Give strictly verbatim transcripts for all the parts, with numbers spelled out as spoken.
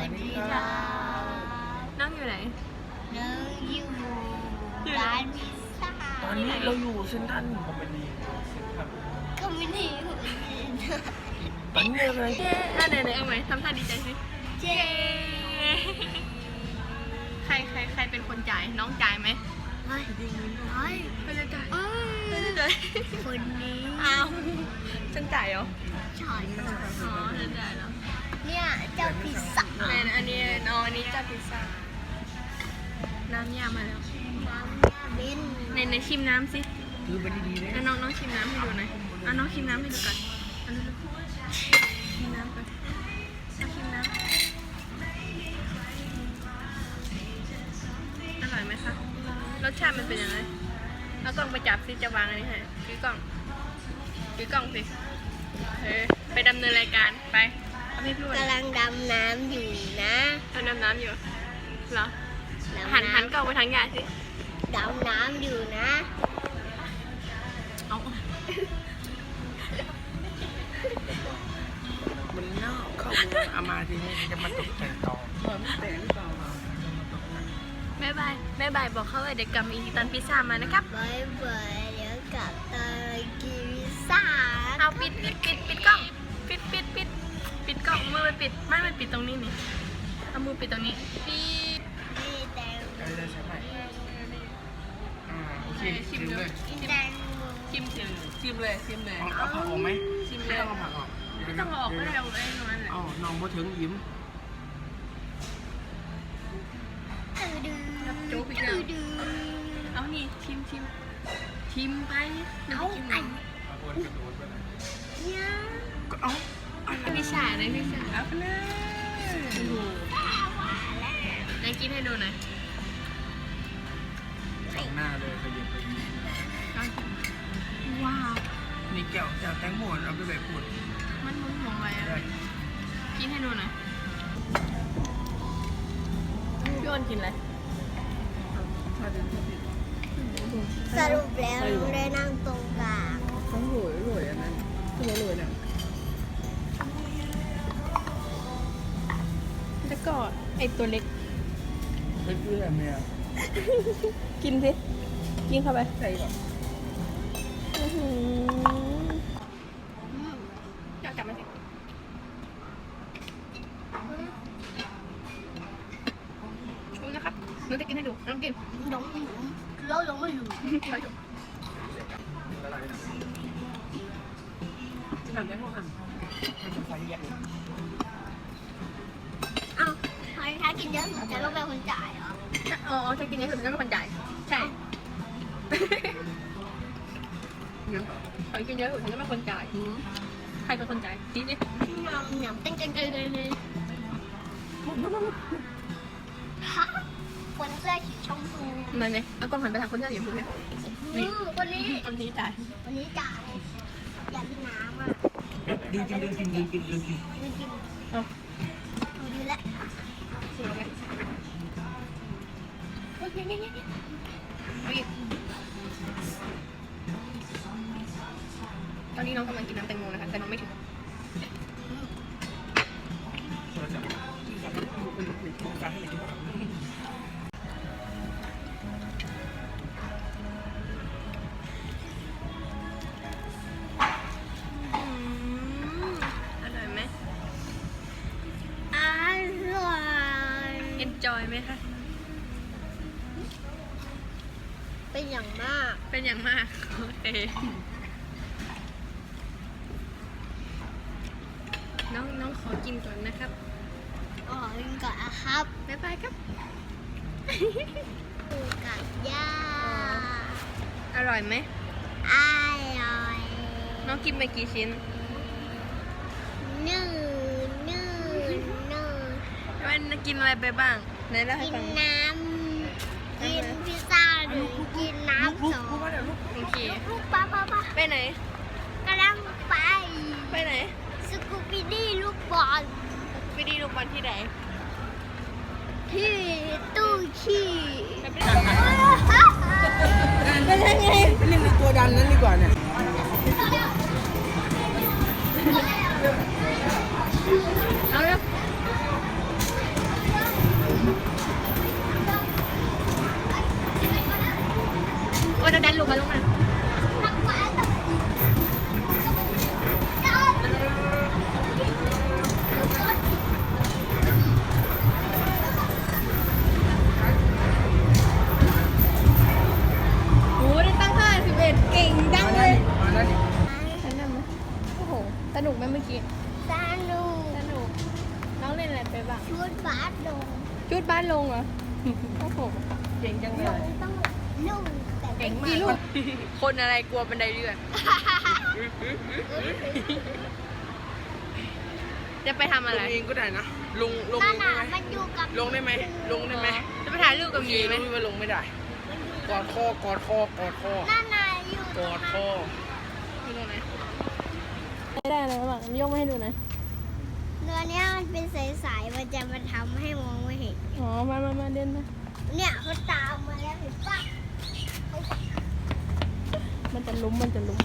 วัสดีครับน้องอยู่ไหนน้องอยู่ร้านพิซซ่าตอนนี้เราอยู่เซ็นทรัลคอมมินีเซ็นทรัลคอมมินีตอนนี้อะไรเจ๊อ่ะไหนๆเอาไหมทำท่าดีใจสิเจ๊ใครใครใครเป็นคนจ่ายน้องจ่ายไหมไม่ไม่ไม่ได้จ่ายไม่ได้จ่ายคนนี้อ้าวฉันจ่ายเหรอจ่ายอ๋อฉันจ่ายแล้วเนี่ยเจ้าพิซซ่าไหนอันนี้อ๋ออันนี้เจ้าพิซซ่าน้ำยามาแล้วน้ำยาเบนในในชิมน้ำสิคือไปดีๆเลยน้องน้องชิมน้ำให้ดูหน่อยอ่ะน้องชิมน้ำให้ดูก่อนอันนี้ชิมน้ำก่อนน้องชิมน้ำอร่อยไหมคะรสชาติมันเป็นยังไงเอากล้องไปจับสิจะวางอันนี้ให้ถือกล้องถือกล้องสิเออไปดำเนินรายการไปกำลังดำน้ำอยู่นะกำลังดำน้ำอยู่เหรอหันหันกล้องไปทางยายสิดำน้ำอยู่นะเอามันนอกเข้ามาเอามาทีนี้จะมาตกแต่งต่อแต่งต่อแม่บายแม่บายบอกเขาว่าเดี๋ยวกลับมาอีกตอนพิซซ่ามานะครับบายบายเดี๋ยวกลับตอนกินพิซซ่าเอาปิดปิดปิดปิดกล้องปิดปิดปิดปิดกล้องมือไปปิดไม่ไปปิดตรงนี้นี่เอามือปิดตรงนี้ปิดนี่แตงโมได้ใช่ไหมอ่าโอเคชิมเลยแตงโมชิมชิมชิมเลยชิมเลยเอาผักออกไหมชิมเลยไม่ต้องเอาผักออกไม่ต้องออกก็ได้เอาไอ้นั่นแหละอ๋อน้องมาถึงยิ้มโจ๊กอีกแล้วเอานี่ชิมชิมชิมไปเอาไอ้เนี่ยก็เอาพิซซ่าเลยพิซซ่าเอาไปเลยไหนกินให้ดูหน่อยสองหน้าเลยขยับไปว้าวนี่แก้วจากแตงโมเอาไปแบบขวดมันมุ้งหัวไว้อะกินให้ดูหน่อยพี่อ้นกินอะไรสรุปแล้วได้นั่งตรงกลางต้องรวยรวยอันนั้นคือรวยเนี่ยแล้วก็ไอตัวเล็กเป็นเพื่อนเนี่ยกินสิกินเข้าไปใส่ก่อนอยากกลับมาสิดูนะครับหนูจะกินให้ดูน้องกินน้องแล้วยังไม่อยู่ทำได้พวกมันมันใส่เยอะอ้าวถ้ากินเยอะจะต้องเป็นคนจ่ายเหรออ๋อถ้ากินเยอะจะต้องเป็นคนจ่ายใช่ใครกินเยอะฉันก็เป็นคนจ่ายใครเป็นคนจ่ายนี่นี่ยำยำเต้นเต้นเต้นเลยเลยคนเสื้อสีชมพูนั่นไงเอากล้องหันไปทางคนเสื้อสีชมพูเนี่ยนี่คนนี้คนนี้จ่ายคนนี้จ่ายอยากกินน้ำอ่ะดีจริงดีจริงดีจริงดีจริงดีจริงเอาดูแลสวยไหมโอเคเนี่ยเนี่ยเอาอีกตอนนี้น้องกำลังกินน้ำแตงโมนะคะแต่น้องไม่ถึงอร่อยไหมอร่อยเอ็นจอยไหมคะเป็นอย่างมากเป็นอย่างมากโอเคน้องน้องขอกินก่อนนะครับอ๋อกินก่อนนะครับบ๊ายบายครับปูกับย่าอร่อยไหมอร่อยน้องกินไปกี่ชิ้นหนึ่งหนึ่งหนึ่งวันกินอะไรไปบ้างไหนเล่าให้ฟังกินน้ำกินพิซซ่าหรือกินน้ำสองโอเคลูกป้าป้าป้าไปไหนกำลังไปไปไหนสกูปปี้ลูกบอลสกูปปี้ลูกบอลที่ไหนที่ตู้ขี้เป็นยังไงเล่นตัวดันนั้นดีกว่าเนี่ยเอาเลยชุดบาสลงชุดบาสลงเหรอโอ้โหเก่งจังเลยต้องนุ่งแต่เก่งมากกี่ลูกคนอะไรกลัวบันไดเลื่อน จะไปทำอะไรลงเองก็ได้นะลงลงนั่เอน งได้น่ะไหมมันอยู่กับลงได้ไหมลงได้ไหมจะไปถ่ายรูปกับหมีไหมรู้ว่าลงไม่ได้กอดคอกอดคอกอดคอนั่นน่ะอยู่กอดคออยู่ตรงไหนไม่ได้เลยบ้างยกมาให้ดูหน่อยเรือเนี้ยมันเป็นใสๆมันจะมาทำให้มองไม่เห็นอ๋อมามามาเดินมาเนี่ยเขาตามมาแล้วเห็นปะมันจะลุ้มมันจะลุ้ม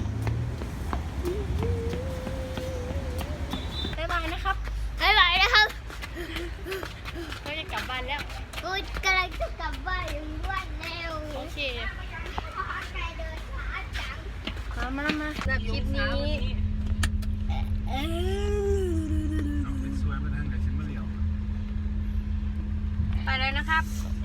บ๊ายบายนะครับบ๊ายบายนะครับเราจะกลับบ้านแล้วกูกำลังจะกลับบ้านอย่างรวดเร็วโอเคพอใจเดินช้าจังมามามาสำหรับคลิปนี้เออเป็นสวยมาทางไหนฉันไม่เลี้ยวไปเลยนะครับ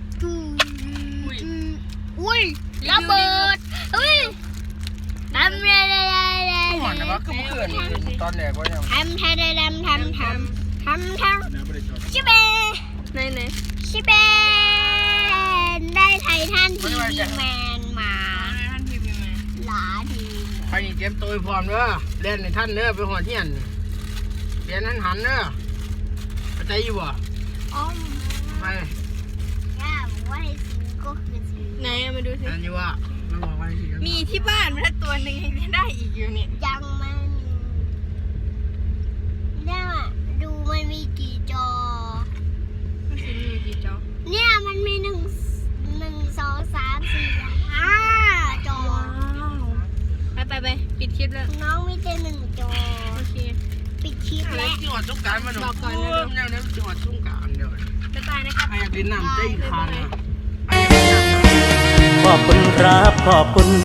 อุ้ยระเบิดอุ้ยทำอะไรอะไรก่อนนะว่าก็เมื่อคืนตอนแรกก็ยังทำทำทำทำทำทำทำชิเบไหนไหนชิเบได้ไททันทีวีแมนมาหลาทีไปนี่เตรียมตัวพร้อมเด้อเล่นในท่านเด้อไปหัวเทียนเรียนนั้นหันเด้อเข้าใจอยู่บ่อ๋อไปย่าบอกว่าให้ซื้อก็คือซื้อไหนเอามาดูสินั่นอยู่ว่าไม่บอกว่าสิมีที่บ้านมันตัวหนึ่งยังได้อีกอยู่เนี่ยยังไม่มีเนี่ยดูมันมีกี่จอมันสิมีกี่จอเนี่ยมันมีหนึ่งหนึ่งสองสามสี่ห้าจอไปไปไปปิดคลิปแล้วน้องมีแต่หนึ่งจอโอเคปิดคลิปอะไรแล้วจังหวัดสงกรารมาหนูบอกก่อนนะโแนวนี้จังหวัดสงกรารเดี๋ยวบ๊ายบายนะครับใครอยากเล่นน้ำใจอีกครั้งนะใครอยากเล่นน้ำขอบคุณครับขอบคุณ